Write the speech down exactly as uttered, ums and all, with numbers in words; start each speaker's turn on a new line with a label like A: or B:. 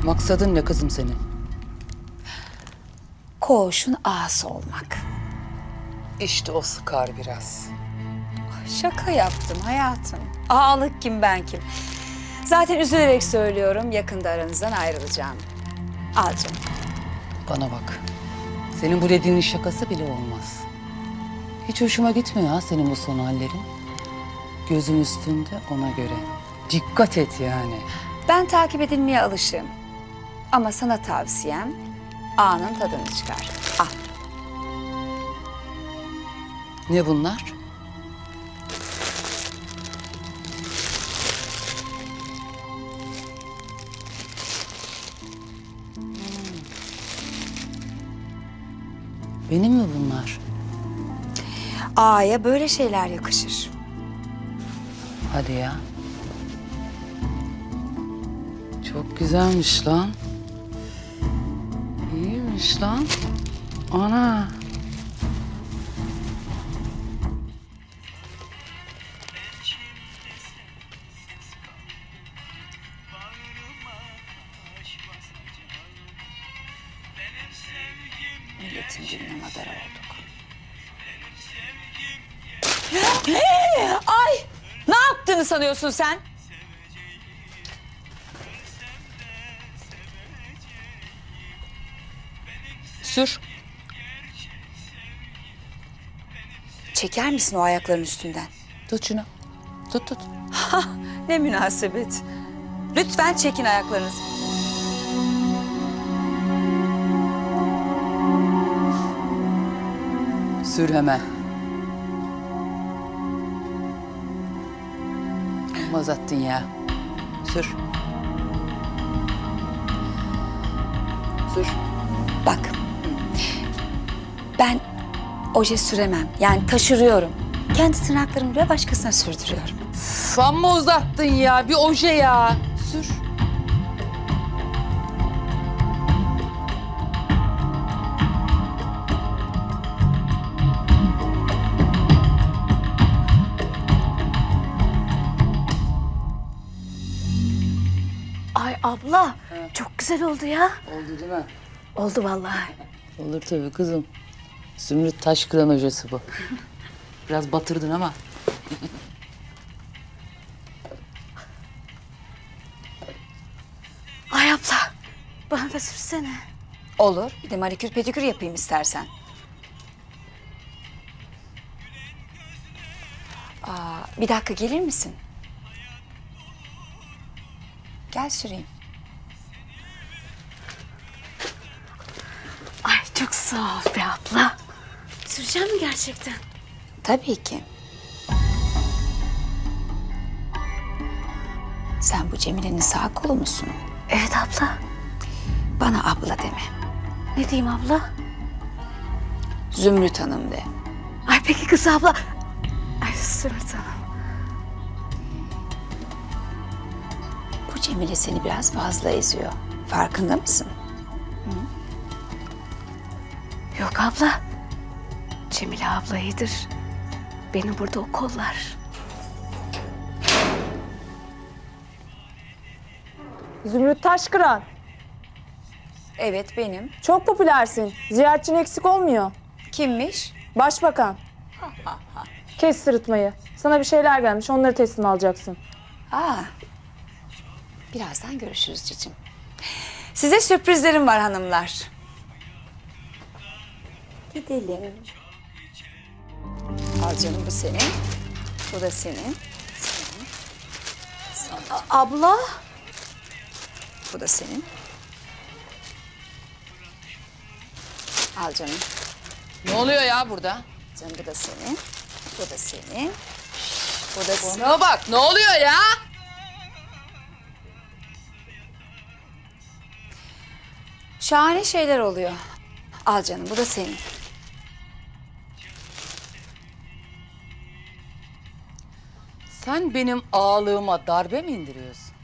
A: Maksadın ne kızım senin?
B: Koğuşun ağası olmak.
A: İşte o sıkar biraz.
B: Şaka yaptım hayatım. Ağalık kim ben kim? Zaten üzülerek söylüyorum yakında aranızdan ayrılacağım. Al canım.
A: Bana bak. Senin bu dediğinin şakası bile olmaz. Hiç hoşuma gitmiyor ha senin bu son hallerin. Gözüm üstünde ona göre. Dikkat et yani.
B: Ben takip edilmeye alışığım. Ama sana tavsiyem ağanın tadını çıkar. Al.
A: Ne bunlar? Benim mi bunlar?
B: Ağaya böyle şeyler yakışır.
A: Hadi ya. Çok güzelmiş lan. İyiymiş lan. Ana.
B: Milletin diline madara olduk. Ay! Ne yaptığını sanıyorsun sen?
A: Sür.
B: Çeker misin o ayakların üstünden?
A: Tut şunu. Tut tut.
B: Ha, ne münasebet. Lütfen çekin ayaklarınızı.
A: Sür hemen. Amma uzattın ya. Sür. Sür.
B: Bak. Ben oje süremem. Yani taşırıyorum. Kendi tırnaklarımı bile başkasına sürdürüyorum.
A: Üf, amma uzattın ya. Bir oje ya. Sür.
C: Ay abla, çok güzel oldu ya.
A: Oldu değil mi?
C: Oldu vallahi.
A: Olur tabii kızım. Zümrüt Taşkıran hocası bu. Biraz batırdın ama.
C: Ay abla, bana da sürsene.
B: Olur. Bir de manikür pedikür yapayım istersen. Aa, bir dakika gelir misin? Gel süreyim.
C: Ay çok sağ ol be abla. Süreceğim mi gerçekten?
B: Tabii ki. Sen bu Cemile'nin sağ kolu musun?
C: Evet abla.
B: Bana abla deme.
C: Ne diyeyim abla?
B: Zümrüt Hanım de.
C: Ay peki kız abla. Ay Zümrüt Hanım.
B: Bu Cemile seni biraz fazla eziyor. Farkında mısın?
C: Yok abla. Cemile abla iyidir. Beni burada o kollar.
D: Zümrüt Taşkıran.
B: Evet benim.
D: Çok popülersin. Ziyaretçin eksik olmuyor.
B: Kimmiş?
D: Başbakan. Kes sırıtmayı. Sana bir şeyler gelmiş. Onları teslim alacaksın.
B: Aa, birazdan görüşürüz cicim. Size sürprizlerim var hanımlar. Gidelim. Al canım bu senin. Bu da senin.
C: Abla.
B: Bu da senin. Al canım.
A: Ne oluyor ya burada?
B: Canım bu da senin. Bu da senin. Bu da senin.
A: Bana bak ne oluyor ya?
B: Şahane şeyler oluyor. Al canım bu da senin.
A: Sen benim ağalığıma darbe mi indiriyorsun?